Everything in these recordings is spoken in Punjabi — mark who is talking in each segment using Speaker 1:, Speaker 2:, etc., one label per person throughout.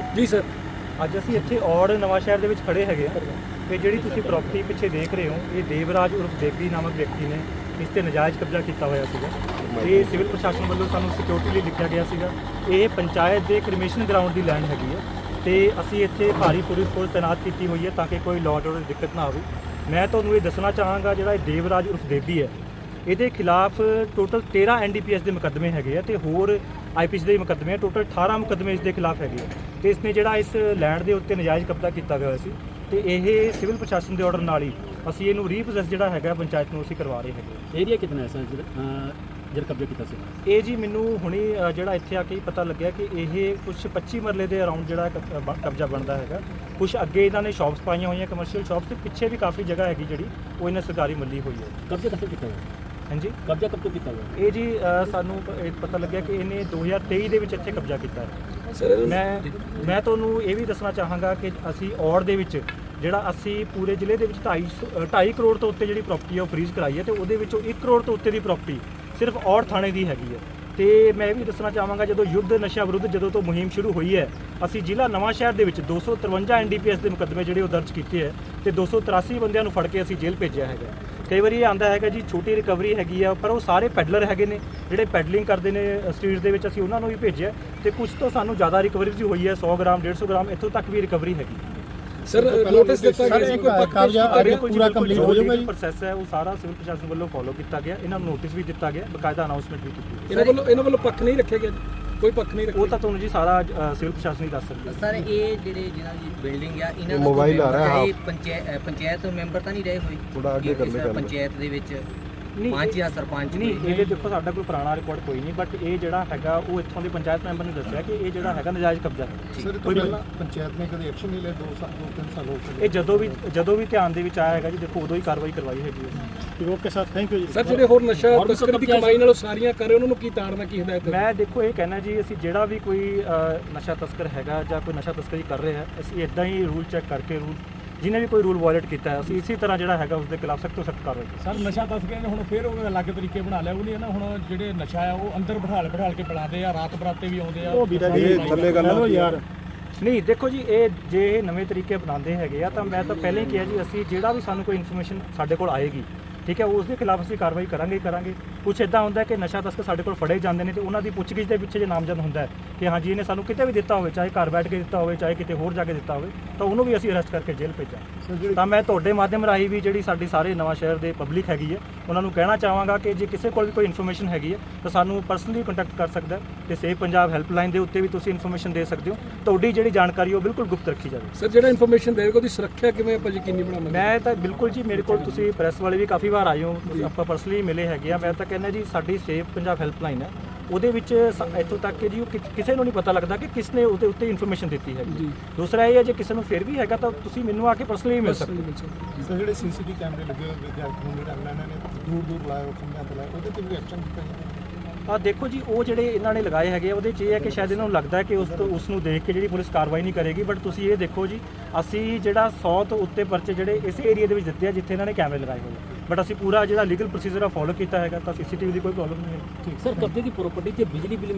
Speaker 1: ਜੀ ਸਰ,
Speaker 2: ਅੱਜ ਅਸੀਂ ਇੱਥੇ ਔੜ ਨਵਾਂ ਸ਼ਹਿਰ ਦੇ ਵਿੱਚ ਖੜੇ ਹੈਗੇ ਆ ਤੇ ਜਿਹੜੀ ਤੁਸੀਂ ਪ੍ਰਾਪਰਟੀ ਪਿੱਛੇ ਦੇਖ ਰਹੇ ਹੋ ਇਹ ਦੇਵਰਾਜ ਉਰਫ ਦੇਵੀ ਨਾਮਕ ਵਿਅਕਤੀ ਨੇ ਇਸ ਤੇ ਨਜਾਇਜ਼ ਕਬਜ਼ਾ ਕੀਤਾ ਹੋਇਆ ਸੀਗਾ। ਇਹ ਸਿਵਲ ਪ੍ਰਸ਼ਾਸਨ ਵੱਲੋਂ ਸਾਨੂੰ ਸਿਕਿਉਰਿਟੀ ਲਈ ਲਿਖਿਆ ਗਿਆ ਸੀਗਾ। ਇਹ ਪੰਚਾਇਤ ਦੇ ਕ੍ਰਿਮੀਨਲ ਗਰਾਊਂਡ ਦੀ ਲੈਂਡ ਹੈਗੀ ਹੈ ਤੇ ਅਸੀਂ ਇੱਥੇ ਭਾਰੀ ਪੁਲਿਸ ਫੋਰਸ ਤੈਨਾਤ ਕੀਤੀ ਹੋਈ ਹੈ ਤਾਂ ਕਿ ਕੋਈ ਲਾਅ ਐਂਡ ਆਰਡਰ ਦੀ ਦਿੱਕਤ ਨਾ ਆਵੇ। ਮੈਂ ਤੁਹਾਨੂੰ ਇਹ ਦੱਸਣਾ ਚਾਹਾਂਗਾ ਜਿਹੜਾ ਇਹ ਦੇਵਰਾਜ ਉਰਫ ਦੇਵੀ ਹੈ ਇਹਦੇ ਖਿਲਾਫ ਟੋਟਲ 13 NDPS ਦੇ ਮੁਕੱਦਮੇ ਹੈਗੇ ਆ ਤੇ ਹੋਰ IPC ਦੇ ਮੁਕੱਦਮੇ ਆ। ਟੋਟਲ 18 ਮੁਕੱਦਮੇ ਇਸ ਦੇ ਖਿਲਾਫ ਹੈਗੇ ਆ ਤੇ ਇਸਨੇ ਜਿਹੜਾ ਇਸ ਲੈਂਡ ਦੇ ਉੱਤੇ ਨਜਾਇਜ਼ ਕਬਜ਼ਾ ਕੀਤਾ ਗਿਆ ਸੀ ਤੇ ਇਹ ਸਿਵਲ ਪ੍ਰਸ਼ਾਸਨ ਦੇ ਆਰਡਰ ਨਾਲ ਹੀ ਅਸੀਂ ਇਹਨੂੰ ਰੀਪੋਸੈਸ ਜਿਹੜਾ ਹੈਗਾ ਪੰਚਾਇਤ ਨੂੰ ਅਸੀਂ ਕਰਵਾ ਰਹੇ ਹੈਗੇ।
Speaker 1: ਏਰੀਆ ਕਿੰਨਾ ਹੈ ਸਰ ਜਿਹੜਾ ਕਬਜ਼ਾ ਕੀਤਾ ਸੀ?
Speaker 2: ਇਹ ਜੀ ਮੈਨੂੰ ਹੁਣੇ ਜਿਹੜਾ ਇੱਥੇ ਆ ਕੇ ਹੀ ਪਤਾ ਲੱਗਿਆ ਕਿ ਇਹ ਕੁਝ 25 ਮਰਲੇ ਦੇ ਅਰਾਊਂਡ ਜਿਹੜਾ ਕਬਜ਼ਾ ਬਣਦਾ ਹੈਗਾ। ਕੁਝ ਅੱਗੇ ਇਹਨਾਂ ਨੇ ਸ਼ਾਪਸ ਪਾਈਆਂ ਹੋਈਆਂ ਕਮਰਸ਼ੀਅਲ ਸ਼ਾਪਸ ਤੇ ਪਿੱਛੇ ਵੀ ਕਾਫੀ ਜਗ੍ਹਾ ਹੈਗੀ ਜਿਹੜੀ ਉਹ ਇਹਨਾਂ ਸਰਕਾਰੀ ਮੱਲੀ ਹੋਈ ਹੈ।
Speaker 1: ਕਬਜ਼ਾ ਕਦੋਂ ਕੀਤਾ ਹੋਇਆ?
Speaker 2: ਹਾਂਜੀ,
Speaker 1: ਕਬਜ਼ਾ ਕਬ ਤੋਂ ਕੀਤਾ ਹੋਇਆ?
Speaker 2: ਇਹ ਜੀ ਸਾਨੂੰ ਪਤਾ ਲੱਗਿਆ ਕਿ ਇਹਨੇ 2023 ਦੇ ਵਿੱਚ ਇੱਥੇ ਕਬਜ਼ਾ ਕੀਤਾ ਹੈ।
Speaker 1: ਸਰ
Speaker 2: ਮੈਂ ਤੁਹਾਨੂੰ ਇਹ ਵੀ ਦੱਸਣਾ ਚਾਹਾਂਗਾ ਕਿ ਅਸੀਂ ਔੜ ਦੇ ਵਿੱਚ ਜਿਹੜਾ ਅਸੀਂ ਪੂਰੇ ਜ਼ਿਲ੍ਹੇ ਦੇ ਵਿੱਚ 2.5 ਕਰੋੜ ਤੋਂ ਉੱਤੇ ਜਿਹੜੀ ਪ੍ਰਾਪਰਟੀ ਹੈ ਉਹ ਫਰੀਜ਼ ਕਰਾਈ ਹੈ ਤੇ ਉਹਦੇ ਵਿੱਚੋਂ 1 ਕਰੋੜ ਤੋਂ ਉੱਤੇ ਦੀ ਪ੍ਰਾਪਰਟੀ ਸਿਰਫ ਔੜ ਥਾਣੇ ਦੀ ਹੈਗੀ ਹੈ। ਤੇ ਮੈਂ ਇਹ ਵੀ ਦੱਸਣਾ ਚਾਹਾਂਗਾ ਜਦੋਂ ਯੁੱਧ ਨਸ਼ਾ ਵਿਰੁੱਧ ਜਦੋਂ ਤੋਂ ਮੁਹਿੰਮ ਸ਼ੁਰੂ ਹੋਈ ਹੈ ਅਸੀਂ ਜ਼ਿਲ੍ਹਾ ਨਵਾਂ ਸ਼ਹਿਰ ਦੇ ਵਿੱਚ 253 NDPS ਦੇ ਮੁਕੱਦਮੇ ਜਿਹੜੇ ਉਹ ਦਰਜ ਕੀਤੇ ਹੈ ਤੇ 283 ਬੰਦਿਆਂ ਨੂੰ ਫੜ ਕੇ ਅਸੀਂ ਜੇਲ੍ਹ ਭੇਜਿਆ ਹੈਗਾ। ਕਈ ਵਾਰੀ ਇਹ ਆਂਦਾ ਹੈਗਾ ਜੀ ਛੋਟੀ ਰਿਕਵਰੀ ਹੈਗੀ ਆ ਪਰ ਉਹ ਸਾਰੇ ਪੈਡਲਰ ਹੈਗੇ ਨੇ ਜਿਹੜੇ ਪੈਡਲਿੰਗ ਕਰਦੇ ਨੇ ਸਟਰੀਟਸ ਦੇ ਵਿੱਚ ਅਸੀਂ ਉਹਨਾਂ ਨੂੰ ਵੀ ਭੇਜਿਆ ਤੇ ਕੁਝ ਤੋਂ ਸਾਨੂੰ ਜ਼ਿਆਦਾ ਰਿਕਵਰੀ ਵੀ ਹੋਈ ਹੈ 100 ਗ੍ਰਾਮ 150 ਗ੍ਰਾਮ ਇੱਥੋਂ ਤੱਕ ਵੀ ਰਿਕਵਰੀ ਹੈਗੀ।
Speaker 3: ਸਰ ਨੋਟਿਸ ਦਿੱਤਾ ਗਿਆ ਸੀ ਕੋਈ
Speaker 2: ਕਬਜ਼ਾ ਪੂਰਾ ਕੰਪਲੀਟ ਹੋ ਜਾਊਗਾ ਜੀ। ਪ੍ਰੋਸੈਸ ਹੈ ਉਹ ਸਾਰਾ ਸਿਵਲ ਪ੍ਰਸ਼ਾਸਨ ਵੱਲੋਂ ਫੋਲੋ ਕੀਤਾ ਗਿਆ। ਇਹਨਾਂ ਨੂੰ ਨੋਟਿਸ ਵੀ ਦਿੱਤਾ ਗਿਆ, ਬਕਾਇਦਾ ਅਨਾਉਂਸਮੈਂਟ ਵੀ ਕੀਤੀ ਗਈ।
Speaker 3: ਇਹਨਾਂ ਵੱਲੋਂ ਪੱਖ ਨਹੀਂ ਰੱਖਿਆ ਗਿਆ, ਕੋਈ ਪੱਖ ਨਹੀਂ ਰੱਖਿਆ।
Speaker 2: ਉਹ ਤਾਂ ਤੁਹਾਨੂੰ ਜੀ ਸਾਰਾ ਸਿਵਲ ਪ੍ਰਸ਼ਾਸਨ ਹੀ ਦੱਸ ਸਕਦਾ।
Speaker 4: ਸਰ ਇਹ ਜਿਹਨਾਂ ਦੀ ਬਿਲਡਿੰਗ ਆ ਇਹਨਾਂ ਦਾ
Speaker 5: ਮੋਬਾਈਲ ਆ ਰਿਹਾ
Speaker 4: ਪੰਚਾਇਤ ਮੈਂਬਰ ਤਾਂ ਨਹੀਂ ਰਹੇ ਹੋਏ
Speaker 5: ਥੋੜਾ ਅੱਗੇ ਕਰ ਲੈ
Speaker 4: ਪੰਚਾਇਤ ਦੇ ਵਿੱਚ
Speaker 2: ਨਹੀਂ
Speaker 4: 5 ਜਾਂ ਸਰਪੰਚ
Speaker 2: ਨਹੀਂ ਇਹਦੇ ਦੇਖੋ ਸਾਡਾ ਕੋਈ ਪੁਰਾਣਾ ਰਿਕਾਰਡ ਕੋਈ ਨਹੀਂ ਬਟ ਇਹ ਜਿਹੜਾ ਹੈਗਾ ਉਹ ਇੱਥੋਂ ਦੇ ਪੰਚਾਇਤ ਮੈਂਬਰ ਨੇ ਦੱਸਿਆ ਕਿ ਇਹ ਜਿਹੜਾ ਹੈਗਾ ਨਜਾਇਜ਼ ਕਬਜ਼ਾ ਹੈ।
Speaker 5: ਸਰ ਕੋਈ ਪੰਚਾਇਤ ਨੇ ਕਦੇ ਐਕਸ਼ਨ ਨਹੀਂ ਲਿਆ 2-3 ਸਾਲ ਹੋ ਗਏ।
Speaker 2: ਇਹ ਜਦੋਂ ਵੀ ਧਿਆਨ ਦੇ ਵਿੱਚ ਆਇਆ ਹੈਗਾ ਜੀ ਦੇਖੋ ਉਦੋਂ ਹੀ ਕਾਰਵਾਈ ਕਰਵਾਈ ਹੈਗੀ ਹੈ।
Speaker 5: ਓਕੇ ਸਰ, ਥੈਂਕ ਯੂ ਜੀ।
Speaker 3: ਸਰ ਜਿਹੜੇ ਹੋਰ ਨਸ਼ਾ ਤਸਕਰੀ ਦੀ ਕਮਾਈ ਨਾਲ ਸਾਰੀਆਂ ਕਰ ਰਹੇ ਉਹਨਾਂ ਨੂੰ ਕੀ ਤਾੜਨਾ ਕੀ ਹਦਾਇਤ ਹੈ?
Speaker 2: ਮੈਂ ਦੇਖੋ ਇਹ ਕਹਿਣਾ ਜੀ ਅਸੀਂ ਜਿਹੜਾ ਵੀ ਕੋਈ ਨਸ਼ਾ ਤਸਕਰ ਹੈਗਾ ਜਾਂ ਕੋਈ ਨਸ਼ਾ ਤਸਕਰੀ ਕਰ ਰਿਹਾ ਹੈ ਅਸੀਂ ਇਦਾਂ ਹੀ ਰੂਲ ਚੈੱਕ ਕਰਕੇ ਰੂਲ ਜਿਹਨੇ ਵੀ ਕੋਈ ਰੂਲ ਵਾਇਲੇਟ ਕੀਤਾ ਹੈ ਅਸੀਂ ਇਸੇ ਤਰ੍ਹਾਂ ਜਿਹੜਾ ਹੈਗਾ ਉਸ ਦੇ ਖਿਲਾਫ ਸਖਤ ਤੋਂ ਸਖਤ ਕਾਰਵਾਈ।
Speaker 6: ਸਰ ਨਸ਼ਾ ਤਸਕਰਾਂ ਨੇ ਹੁਣ ਫਿਰ ਉਹ ਅਲੱਗ ਤਰੀਕੇ ਬਣਾ ਲਿਆ ਉਹ ਨਹੀਂ ਹੈ ਨਾ ਹੁਣ ਜਿਹੜੇ ਨਸ਼ਾ ਆ ਉਹ ਅੰਦਰ ਬਿਠਾ ਕੇ ਪਿਲਾਉਂਦੇ ਆ ਰਾਤ ਬਰਾਤੇ ਵੀ ਆਉਂਦੇ ਆ।
Speaker 5: ਉਹ ਵੀਰਾ ਜੀ ਥੱਲੇ ਗੱਲ ਹੋ ਯਾਰ।
Speaker 2: ਨਹੀਂ ਦੇਖੋ ਜੀ ਇਹ ਜੇ ਇਹ ਨਵੇਂ ਤਰੀਕੇ ਅਪਣਾਉਂਦੇ ਹੈਗੇ ਆ ਤਾਂ ਮੈਂ ਤਾਂ ਪਹਿਲਾਂ ਹੀ ਕਿਹਾ ਜੀ ਅਸੀਂ ਜਿਹੜਾ ਵੀ ਸਾਨੂੰ ਕੋਈ ਇਨਫੋਰਮੇਸ਼ਨ ਸਾਡੇ ਕੋਲ ਆਏਗੀ ਠੀਕ ਹੈ ਉਸ ਦੇ ਖਿਲਾਫ ਅਸੀਂ ਕਾਰਵਾਈ ਕਰਾਂਗੇ। ਕੁਛ ਇਦਾਂ ਹੁੰਦਾ ਕਿ ਨਸ਼ਾ ਤਸਕਰ ਸਾਡੇ ਕੋਲ ਫੜੇ ਜਾਂਦੇ ਨੇ ਤੇ ਉਹਨਾਂ ਦੀ ਪੁੱਛਗਿੱਛ ਦੇ ਪਿੱਛੇ ਜੇ ਨਾਮਜ਼ਦ ਹੁੰਦਾ ਹੈ ਕਿ ਹਾਂਜੀ ਇਹਨੇ ਸਾਨੂੰ ਕਿਤੇ ਵੀ ਦਿੱਤਾ ਹੋਵੇ ਚਾਹੇ ਘਰ ਬੈਠ ਕੇ ਦਿੱਤਾ ਹੋਵੇ ਚਾਹੇ ਕਿਤੇ ਹੋਰ ਜਾ ਕੇ ਦਿੱਤਾ ਹੋਵੇ ਤਾਂ ਉਹਨੂੰ ਵੀ ਅਸੀਂ ਅਰੈਸਟ ਕਰਕੇ ਜੇਲ੍ਹ ਭੇਜਾਂ। ਤਾਂ ਮੈਂ ਤੁਹਾਡੇ ਮਾਧਿਅਮ ਰਾਹੀਂ ਵੀ ਜਿਹੜੀ ਸਾਡੀ ਸਾਰੇ ਨਵਾਂ ਸ਼ਹਿਰ ਦੇ ਪਬਲਿਕ ਹੈਗੀ ਹੈ ਉਹਨਾਂ ਨੂੰ ਕਹਿਣਾ ਚਾਹਾਂਗਾ ਕਿ ਜੇ ਕਿਸੇ ਕੋਲ ਵੀ ਕੋਈ ਇਨਫੋਰਮੇਸ਼ਨ ਹੈਗੀ ਹੈ ਤਾਂ ਸਾਨੂੰ ਪਰਸਨਲੀ ਕੰਟੈਕਟ ਕਰ ਸਕਦਾ ਹੈ ਤੇ ਸੇਵ ਪੰਜਾਬ ਹੈਲਪਲਾਈਨ ਦੇ ਉੱਤੇ ਵੀ ਤੁਸੀਂ ਇਨਫੋਰਮੇਸ਼ਨ ਦੇ ਸਕਦੇ ਹੋ। ਤੁਹਾਡੀ ਜਿਹੜੀ ਜਾਣਕਾਰੀ ਉਹ ਬਿਲਕੁਲ ਗੁਪਤ ਰੱਖੀ ਜਾਵੇ।
Speaker 3: ਸਰ ਜਿਹੜਾ ਇਨਫੋਰਮੇਸ਼ਨ ਦੇਵੇਗਾ ਉਹਦੀ ਸੁਰੱਖਿਆ ਕਿਵੇਂ ਆਪਾਂ ਯਕੀਨੀ ਬਣਾਵਾਂਗੇ?
Speaker 2: ਮੈਂ ਤਾਂ ਬਿਲਕੁਲ ਜੀ ਮੇਰੇ ਕੋਲ ਤੁਸੀਂ ਪ੍ਰੈਸ ਵਾਲੇ ਵੀ ਕਾਫੀ ਵਾਰ ਆਏ ਹੋ ਆਪਾਂ ਪਰਸਨਲੀ ਮਿਲੇ ਹੈਗੇ ਆ। ਮੈਂ ਤਾਂ ਕਹਿੰਦਾ ਜੀ ਸਾਡੀ ਸੇਵ ਪੰਜਾਬ ਹੈਲਪਲਾਈਨ ਹੈ ਉਹਦੇ ਵਿੱਚ ਇੱਥੋਂ ਤੱਕ ਕਿ ਜੀ ਉਹ ਕਿਸੇ ਨੂੰ ਨਹੀਂ ਪਤਾ ਲੱਗਦਾ ਕਿ ਕਿਸ ਨੇ ਉਹਦੇ ਉੱਤੇ ਇਨਫੋਰਮੇਸ਼ਨ ਦਿੱਤੀ ਹੈ। ਦੂਸਰਾ ਇਹ ਹੈ ਜੇ ਕਿਸੇ ਨੂੰ ਫਿਰ ਵੀ ਹੈਗਾ ਤਾਂ ਤੁਸੀਂ ਮੈਨੂੰ ਆ ਕੇ ਪਰਸਨਲੀ ਮਿਲ ਸਕਦੇ ਹੋ।
Speaker 5: ਸਰ ਜਿਹੜੇ CCTV ਕੈਮਰੇ ਲੱਗੇ ਹੋਏ ਵਿਦਿਆਰਥੀਆਂ ਦੇ ਇਹਨਾਂ ਨੇ ਦੂਰ ਲਾਏ ਖੰਭਿਆਂ ਤੇ ਲਾਏ ਉਹਦੇ ਤੇ ਵੀ ਐਕਸ਼ਨ ਕੀਤਾ ਜਾਵੇ।
Speaker 2: ਦੇਖੋ ਜੀ ਉਹ ਜਿਹੜੇ ਇਹਨਾਂ ਨੇ ਲਗਾਏ ਹੈਗੇ ਉਹਦੇ 'ਚ ਇਹ ਹੈ ਕਿ ਸ਼ਾਇਦ ਇਹਨਾਂ ਨੂੰ ਲੱਗਦਾ ਹੈ ਕਿ ਉਸ ਨੂੰ ਦੇਖ ਕੇ ਜਿਹੜੀ ਪੁਲਿਸ ਕਾਰਵਾਈ ਨਹੀਂ ਕਰੇਗੀ ਬਟ ਤੁਸੀਂ ਇਹ ਦੇਖੋ ਜੀ ਅਸੀਂ ਜਿਹੜਾ 100 ਤੋਂ ਉੱਤੇ ਪਰਚੇ ਜਿਹੜੇ ਇਸ ਏਰੀਆ ਦੇ ਵਿੱਚ ਦਿੱਤੇ ਆ ਜਿੱਥੇ ਇਹਨਾਂ ਨੇ ਕੈਮਰੇ ਲਗਾਏ ਹੋਏ ਬਟ ਅਸੀਂ ਪੂਰਾ ਜਿਹੜਾ ਲੀਗਲ ਪ੍ਰੋਸੀਜਰ ਆ ਫੋਲੋ ਕੀਤਾ ਹੈਗਾ ਤਾਂ CCTV ਦੀ ਕੋਈ ਪ੍ਰੋਬਲਮ ਨਹੀਂ ਹੈ।
Speaker 1: ਠੀਕ ਸਰ ਕਬਜ਼ੇ ਦੀ ਪ੍ਰਾਪਰਟੀ ਤੇ ਬਿਜਲੀ ਬਿੱਲ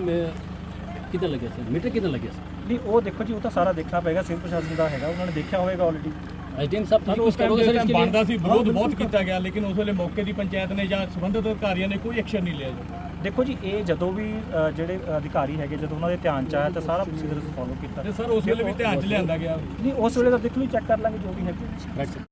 Speaker 1: ਕਿੱਦਾਂ ਲੱਗਿਆ ਸਰ ਮੀਟਰ ਕਿੱਦਾਂ ਲੱਗਿਆ ਸਰ?
Speaker 2: ਨਹੀਂ ਉਹ ਦੇਖੋ ਜੀ ਉਹ ਤਾਂ ਸਾਰਾ ਦੇਖਣਾ ਪਏਗਾ ਸਿਵਲ ਪ੍ਰਸ਼ਾਸਨ ਦਾ ਹੈਗਾ ਉਹਨਾਂ ਨੇ ਦੇਖਿਆ ਹੋਵੇਗਾ ਆਲਰੇਡੀ।
Speaker 1: ਐਸਡੀਐਮ ਸਾਹਿਬ ਤੁਸੀਂ
Speaker 6: ਉਸ ਟਾਈਮ ਬਣਦਾ ਸੀ ਵਿਰੋਧ ਬਹੁਤ ਕੀਤਾ ਗਿਆ ਲੇਕਿਨ ਉਸ ਵੇਲੇ ਮੌਕੇ ਦੀ ਪੰਚਾਇਤ ਨੇ ਜਾਂ ਸੰਬੰਧਿਤ ਅਧਿਕਾਰੀਆਂ ਨੇ ਕੋਈ ਐਕਸ਼ਨ ਨਹੀਂ ਲਿਆ ਜੀ।
Speaker 2: ਦੇਖੋ ਜੀ ਇਹ ਜਦੋਂ ਵੀ ਜਿਹੜੇ ਅਧਿਕਾਰੀ ਹੈਗੇ ਜਦੋਂ ਉਹਨਾਂ ਦੇ ਧਿਆਨ 'ਚ ਆਇਆ ਤਾਂ ਸਾਰਾ ਪ੍ਰੋਸੀਜਰ ਅਸੀਂ ਫੋਲੋ ਕੀਤਾ।
Speaker 6: ਤੇ ਸਰ ਉਸ ਵੇਲੇ ਵੀ ਧਿਆਨ 'ਚ ਲਿਆਂਦਾ ਗਿਆ?
Speaker 2: ਨਹੀਂ ਉਸ ਵੇਲੇ ਤਾਂ ਦੇਖ ਲਓ ਚੈੱਕ ਕਰ ਲਾਂਗੇ ਜੋ ਵੀ ਹੈ।